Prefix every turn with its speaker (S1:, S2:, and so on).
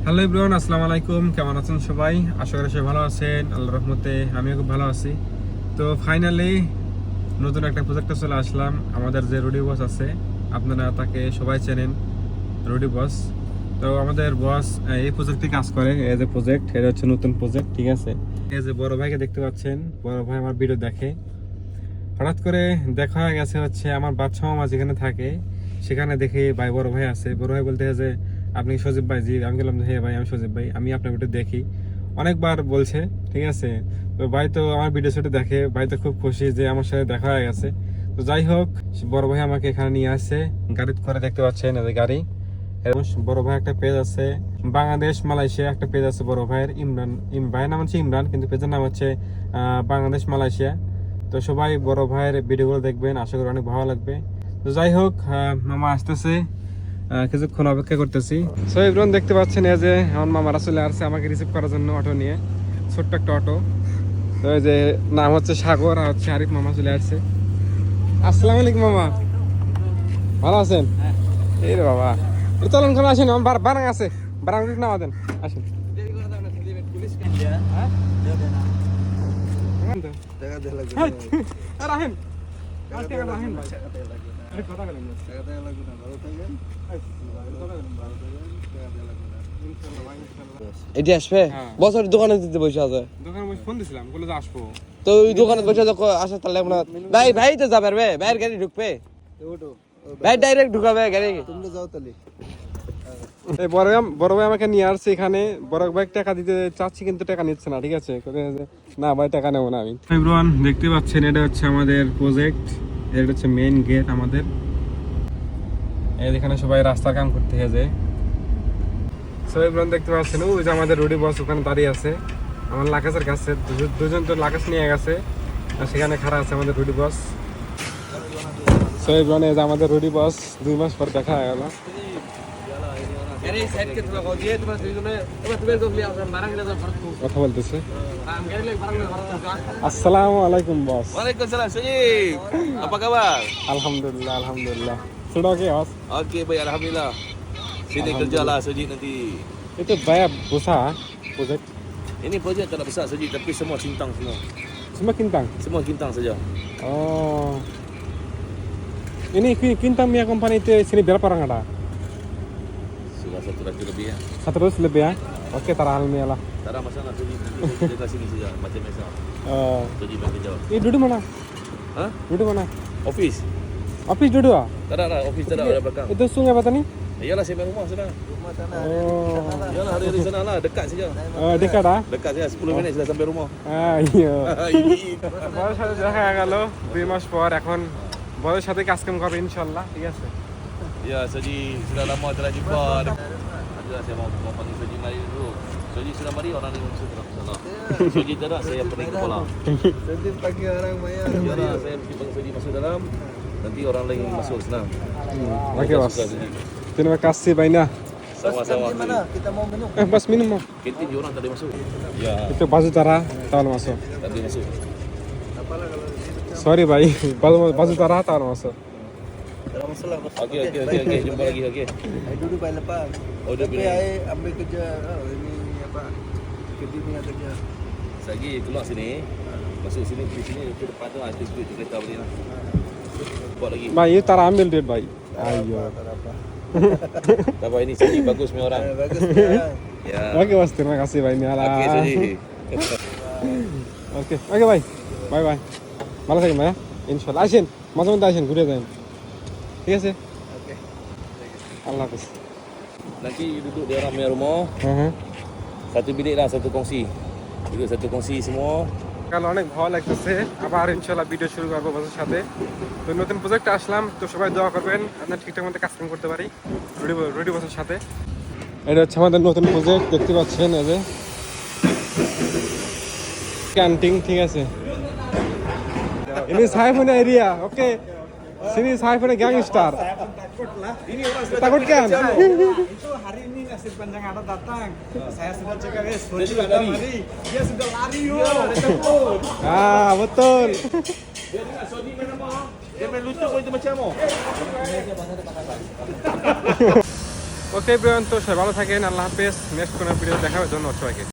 S1: Hello everyone, আসসালামু আলাইকুম। কেমন আছেন সবাই? আশা করি সবাই ভালো আছেন। আল্লাহর রহমতে আমিও খুব ভালো আছি। তো ফাইনালি নতুন একটা প্রজেক্টে চলে আসলাম। আমাদের যে রুডি বস আছে, আপনারা তাকে সবাই চেনেন, রুডি বস। তো আমাদের বস এই প্রজেক্টে কাজ করে। এই যে প্রজেক্ট, এটা হচ্ছে নতুন প্রজেক্ট, ঠিক আছে। এই যে বড় ভাইকে দেখতে পাচ্ছেন, বড় ভাই আমার ভিডিও দেখে। হঠাৎ করে দেখা হয়ে গেছে হচ্ছে আমার বাচ্চা মামা যেখানে থাকে সেখানে দেখে ভাই বড় ভাই আছে। বড় ভাই বলতে যে আপনি সজীব ভাই? জি। আমি বললাম হ্যাঁ ভাই, আমি সজীব ভাই, আমি আপনার ভিডিও দেখি, অনেকবার বলছে, ঠিক আছে। তো ভাই তো আমার ভিডিও শুটে দেখে, ভাই তো খুব খুশি যে আমার সাথে দেখা হয়ে গেছে। তো যাই হোক, বড় ভাই আমাকে এখানে নিয়ে আসছে, গাড়ি করে দেখতে পাচ্ছেন এই গাড়ি। এবং বড় ভাই একটা পেজ আছে বাংলাদেশ মালয়েশিয়া, একটা পেজ আছে বড় ভাইয়ের, ইমরান। ভাইয়ের নাম হচ্ছে ইমরান, কিন্তু পেজের নাম হচ্ছে বাংলাদেশ মালয়েশিয়া। তো সবাই বড় ভাইয়ের ভিডিওগুলো দেখবেন, আশা করি অনেক ভালো লাগবে। তো যাই হোক, মামা আসতেছে, কিছুক্ষণ অপেক্ষা করতেছি। সো এভরিওয়ান দেখতে পাচ্ছেন এই যে আমার মামারা চলে আসছে আমাকে রিসিভ করার জন্য অটো নিয়ে, ছোট্ট একটা অটো। তো এই যে নাম হচ্ছে সাগর আর হচ্ছে আরিফ, মামা চলে আসছে। আসসালামু আলাইকুম মামা, ভালো আছেন? এই রে বাবা, চলুন করে আসেন, আমার বারাং আছে, বারাং নামা দেন, আসেন।
S2: এটি আসবে বছর দোকানে দিতে বসে আছে।
S1: দোকানে বসে ফোন দিছিলাম, বলে যে আসবো।
S2: তো ওই দোকানে বসে আসা তাহলে আপনার ভাই ভাই তো যাবে রে, ভাইয়ের গাড়ি ঢুকবে, ভাই ডাইরেক্ট ঢুকাবে গাড়ি।
S3: তোমরা যাও তাহলে।
S1: এই বড় ভাই আমাকে নিয়ে আসছে এখানে। বড় ভাই টাকা দিতে চাচ্ছি কিন্তু টাকা নিচ্ছে না, ঠিক আছে। না ভাই, টাকা নেবো না আমি। এভরিওয়ান দেখতে পাচ্ছেন, এটা হচ্ছে আমাদের প্রজেক্ট, এটা হচ্ছে মেইন গেট আমাদের। এখানে সবাই রাস্তার কাম করতে গেছে। সো এভরিওয়ান দেখতে পাচ্ছেন, ওই যে আমাদের রুডি বস ওখানে দাঁড়িয়ে আছে আমার লাকেজের কাছে। দুজন তো লাকেজ নিয়ে গেছে, আর সেখানে খাড়া আছে আমাদের রুডি বস। সো এভরিওয়ান এই যে আমাদের রুডি বস 2 মাস পর দেখা হয়ে গেল। কথা বলতেছে। আসসালামু আলাইকুম বস।
S4: Waalaikumsalam Syed. Apa kabar?
S1: আলহামদুলিল্লাহ আলহামদুলিল্লাহ। Sudah oke bos?
S4: Okey baik alhamdulillah. Sini kerjalah Syed nanti.
S1: Itu bayar besar project.
S4: Ini projek tak nak besar Syed tapi semua cintang semua.
S1: Semua kintang.
S4: Semua cintang saja.
S1: Oh. Ini kintang punya company itu sini berapa orang ada?
S4: Sudah 100 lebih ya.
S1: 100 lebih ya? Oke, taruh almiah lah.
S4: Tak ada masalah Syed. Nanti kita sini saja macam biasa.
S1: Oh.
S4: Syed bagi jawab.
S1: Ini duduk mana?
S4: Ha?
S1: Duduk mana?
S4: Office.
S1: Office duduk ah?
S4: Tak ada office tak ada belakang.
S1: Itu sungai apa tadi?
S4: Iyalah saya rumah sana.
S3: Rumah sana.
S1: Oh.
S4: Iyalah hari di sana lah dekat saja.
S1: Dekat ah?
S4: Dekat saja 10 minit sudah sampai rumah.
S1: iya.
S4: Ini.
S1: বড়ের সাথে দেখা গেল 2 মাস পর। এখন বড়ের সাথে কাজ কাম করবে ইনশাআল্লাহ, ঠিক আছে।
S4: Ya Syed sudah lama tak nak jumpa. Adalah saya mau panggil Syed mari dulu. Syed sudah mari orang ni mesti terang sana. Syed tak ada saya pening kepala.
S3: Nanti pagi orang maya.
S4: Yalah, saya mesti panggil Syed masuk dalam. Nanti orang lain masuk senang.
S1: Oke bos. Terima kasih banyak.
S4: Sama-sama.
S3: Di mana? Kita mau minum.
S1: Bos minum mau?
S4: Kantin dia orang tak boleh masuk. Ya,
S1: Itu baju tara tahun masuk.
S4: tak boleh masuk.
S3: Apalah kalau di situ.
S1: Sorry bhai, baju tara tahun masuk.
S3: Dalam masalah.
S4: Okey, jumpa lagi okey.
S3: Saya duduk baik lepas.
S4: Oh, dia
S3: Tapi
S4: bilang.
S3: saya ambil kerja. Oh, ini apa? Kerja punya kerja.
S4: Lagi keluar sini. Masuk sini di sini ke depan tu ada duit kereta balik lah. Buat lagi.
S1: Bhai, ini tara ambil duit bhai. Ayo.
S3: Tak ada apa.
S4: Tak apa ini Syed bagus punya orang.
S3: Bagus sekarang.
S4: Ya.
S1: Oke bos, terima kasih banyak lah.
S4: Okey Syed.
S1: Oke, oke bhai. Bye bye. ভালো থাকেন ভাইয়া, ইনশাআল্লাহ। আসেন মাঝে মধ্যে, আসেন ঘুরে যান, ঠিক আছে।
S3: Okey.
S1: আল্লাহ হাফিজ।
S4: Nanti duduk di orang punya rumah. Satu bilik lah, satu kongsi. Duduk satu kongsi semua.
S1: কাল অনেক ভালো লাগতেছে, আবার ইনশাআল্লাহ ভিডিও শুরু করবো বসের সাথে। তো নতুন প্রজেক্টে আসলাম, তো সবাই দোয়া করবেন আপনার ঠিকঠাক মতো কাজ কাম করতে পারি রুডি বসের সাথে। এটা হচ্ছে আমাদের নতুন প্রজেক্ট, দেখতে পাচ্ছেন এই যে ক্যান্টিন, ঠিক আছে। Ini saya punya area, oke. Sini saya punya gangster.
S3: Ini orang
S1: Takut kan?
S3: Itu hari ini nasib panjang ada datang. Saya sudah cakap guys, dia sudah lari. Dia sudah lari yo. Ada takut.
S1: Ah, betul.
S4: Dia dengar Sodi main apa? Dia main lutut pun itu macam apa?
S1: Okay Brian, তো সবাই ভালো থাকেন, আল্লাহ হাফেজ। Next কোনো video দেখা হবে, ধন্যবাদ সবাইকে।